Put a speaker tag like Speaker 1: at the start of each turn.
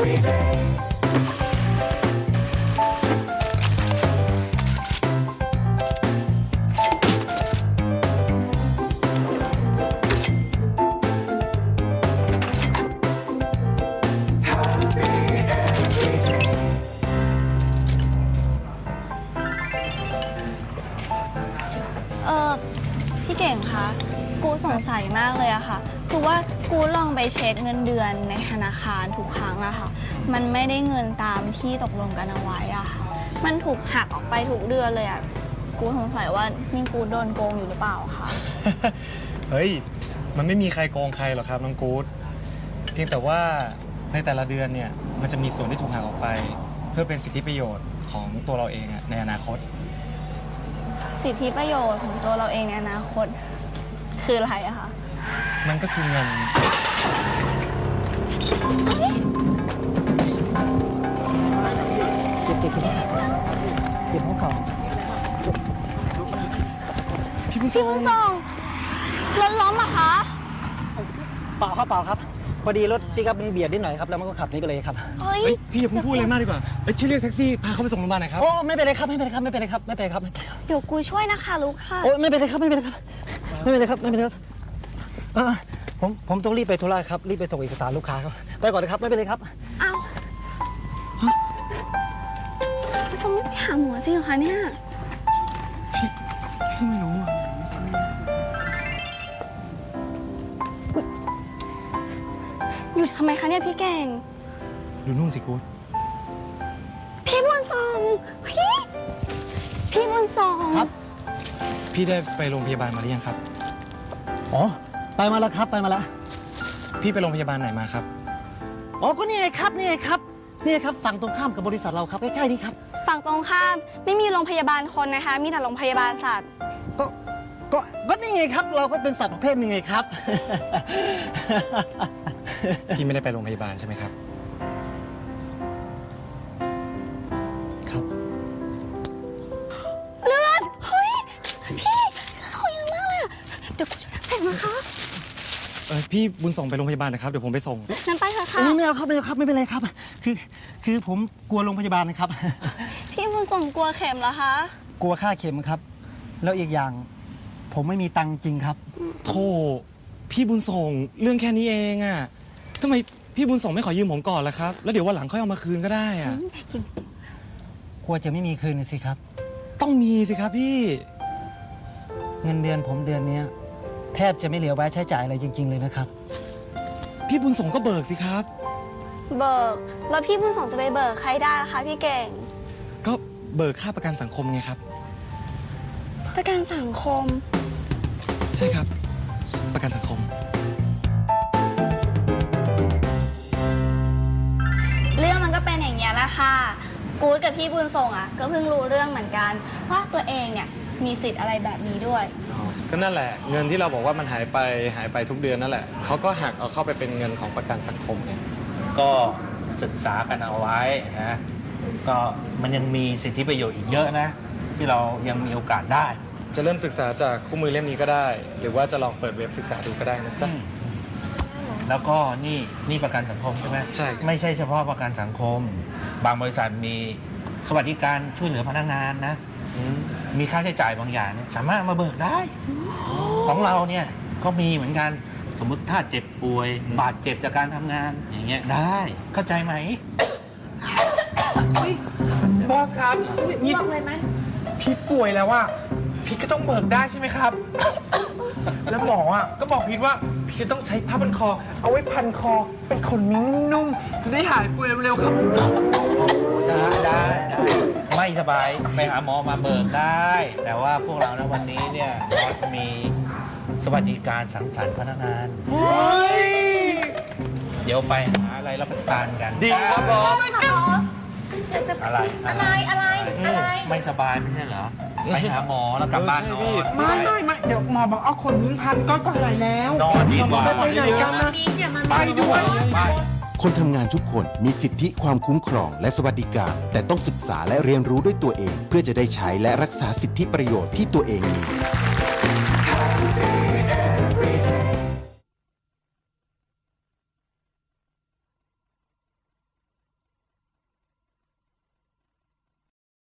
Speaker 1: พี่เก่งคะกูสงสัยมากเลยอะค่ะคือว่ากูลองไปเช็คเงินเดือนในธนาคารทุกครั้งอะค่ะมันไม่ได้เงินตามที่ตกลงกันเอาไว้อะค่ะมันถูกหักออกไปทุกเดือนเลยอะกูสงสัยว่านี่กูโดนโกงอยู่หรือเปล่าคะ
Speaker 2: เฮ้ยมันไม่มีใครโกงใครหรอกครับน้องกู๊ดเพียงแต่ว่าในแต่ละเดือนเนี่ยมันจะมีส่วนที่ถูกหักออกไปเพื่อเป็นสิทธิประโยชน์ของตัวเราเองในอนาคต
Speaker 1: สิทธิประโยชน์ของตัวเราเองในอนาคตคืออะไรอะคะ
Speaker 2: มันก็คือเงิน
Speaker 3: เก็บห้องเขา
Speaker 1: พี่บุญส่งรถล้มอะคะ
Speaker 3: เปล่าครับพอดีรถปิกอัพมันเบียดนิดหน่อยครับแล้วมันก็ขับนี้ไปเลยครับ
Speaker 1: เฮ้ย
Speaker 2: พี่อย่าเพิ่งพูดเลยมากดีกว่าช่วยเรียกแท็กซี่พาเขาไปส่งโรงพยาบาลหน่อยครับ
Speaker 3: โอ้ไม่เป็นไรครับ
Speaker 1: เดี๋ยวกูช่วยนะคะลูกค่ะ
Speaker 3: โอ้ไม่เป็นไรครับผมต้องรีบไปธุระครับรีบไปส่งเอกสารลูกค้าครับไปก่อนนะครับไม่เป็นไรครับ
Speaker 1: เอาจะไม่ไปหาหมอจริงเหรอคะเนี่ย
Speaker 2: พี่ไม่รู้
Speaker 1: อยู่ทำไมคะเนี่ยพี่เก่ง
Speaker 2: ดูนู่นสิกู๊ด
Speaker 1: พี่บุญส่งพี่บุญส่ง
Speaker 3: ครับ
Speaker 2: พี่ได้ไปโรงพยาบาลมาหรือยังครับ
Speaker 3: อ๋อไปมาแล้วครับ
Speaker 2: พี่ไปโรงพยาบาลไหนมาครับ
Speaker 3: อ๋อก็นี่ไงครับฝั่งตรงข้ามกับบริษัทเราครับใกล้ๆนี่ครับ
Speaker 1: ฝั่งตรงข้ามไม่มีโรงพยาบาลคนนะคะมีแต่โรงพยาบาลสัตว์
Speaker 3: ก็นี่ไงครับเราก็เป็นสัตว์ประเภทหนึ่งไงครับ
Speaker 2: พี่ไม่ได้ไปโรงพยาบาลใช่ไหมครับ
Speaker 3: ครับ
Speaker 1: เลือดเฮ้ยพี่เขาเยอะมากเลยเดี๋ยวกูจะแต่งนะคะ
Speaker 2: พี่บุญส่งไปโรงพยาบาลนะครับเดี๋ยวผมไปส่ง
Speaker 1: นั่นไปเถอะค่ะ
Speaker 3: ไม่เอาครับไม่เป็นไรครับคือผมกลัวโรงพยาบาลนะครับ
Speaker 1: พี่บุญส่งกลัวเข็มเหรอคะ
Speaker 3: กลัวค่าเข็มครับแล้วอีกอย่างผมไม่มีตังค์จริงครับ
Speaker 2: โธ่พี่บุญส่งเรื่องแค่นี้เองอะทำไมพี่บุญส่งไม่ขอยืมผมก่อนล่ะครับแล้วเดี๋ยววันหลังค่อยเอามาคืนก็ได้อะ
Speaker 3: กลัวจะไม่มีคืนสิครับ
Speaker 2: ต้องมีสิครับพี่
Speaker 3: เงินเดือนผมเดือนนี้แทบจะไม่เหลือไว้ใช้จ่ายอะไรจริงๆเลยนะครับ
Speaker 2: พี่บุญส่งก็เบิกสิครับ
Speaker 1: เบิกแล้วพี่บุญส่งจะไปเบิกใครได้ล่ะคะพี่เก่ง
Speaker 2: ก็เบิกค่าประกันสังคมไงครับ
Speaker 1: ประกันสังคม
Speaker 2: ใช่ครับประกันสังคม
Speaker 1: เรื่องมันก็เป็นอย่างนี้แหละค่ะกู๊ดกับพี่บุญส่งอ่ะก็เพิ่งรู้เรื่องเหมือนกันว่าตัวเองเนี่ยมีสิทธิ์อะไรแบบนี้ด้วย
Speaker 2: ก็นั่นแหละเงินที่เราบอกว่ามันหายไปทุกเดือนนั่นแหละเขาก็หักเอาเข้าไปเป็นเงินของประกันสังคมไง
Speaker 4: ก็ศึกษากันเอาไว้นะก็มันยังมีสิทธิประโยชน์อีกเยอะนะที่เรายังมีโอกาสได้
Speaker 2: จะเริ่มศึกษาจากคู่มือเล่มนี้ก็ได้หรือว่าจะลองเปิดเว็บศึกษาดูก็ได้นะจ๊ะ
Speaker 4: แล้วก็นี่ประกันสังคมใช่ไหม
Speaker 2: ใช่
Speaker 4: ไม่ใช่เฉพาะประกันสังคมบางบริษัทมีสวัสดิการช่วยเหลือพนักงานนะมีค่าใช้จ่ายบางอย่างเนี่ยสามารถมาเบิกได้ของเราเนี่ยก็มีเหมือนกันสมมุติถ้าเจ็บป่วยบาดเจ็บจากการทำงานอย่างเงี้ยได้เข้าใจไหม
Speaker 5: บอสครับนี่พี่ป่วยแล้วว่าพี่ก็ต้องเบิกได้ใช่ไหมครับแล้วหมอก็บอกพี่ว่าพี่จะต้องใช้ผ้าพันคอเอาไว้พันคอเป็นขนนุ่มๆจะได้หายป่วยเร็วๆครับ
Speaker 4: ได้ไม่สบายไปหาหมอมาเบิกได้แต่ว่าพวกเรานะวันนี้เนี่ยมีสวัสดิการสังสรรค์พนักงานเดี๋ยวไปหาอะไรรับประทานกัน
Speaker 2: ดีครับบอส
Speaker 4: อะไรไม่สบายไม่ใช่เหรอไปหาหมอแล้วกลับบ้านนอน
Speaker 5: ไม่เดี๋ยวหมอบอกเอาขนนุ่งพันก็หายแล้ว
Speaker 4: นอนดีกว่า
Speaker 5: ไปไหนกันนะไปด้วย
Speaker 6: คนทำงานทุกคนมีสิทธิความคุ้มครองและสวัสดิการแต่ต้องศึกษาและเรียนรู้ด้วยตัวเองเพื่อจะได้ใช้และรักษาสิทธิประโยชน์ที่ตัวเองมี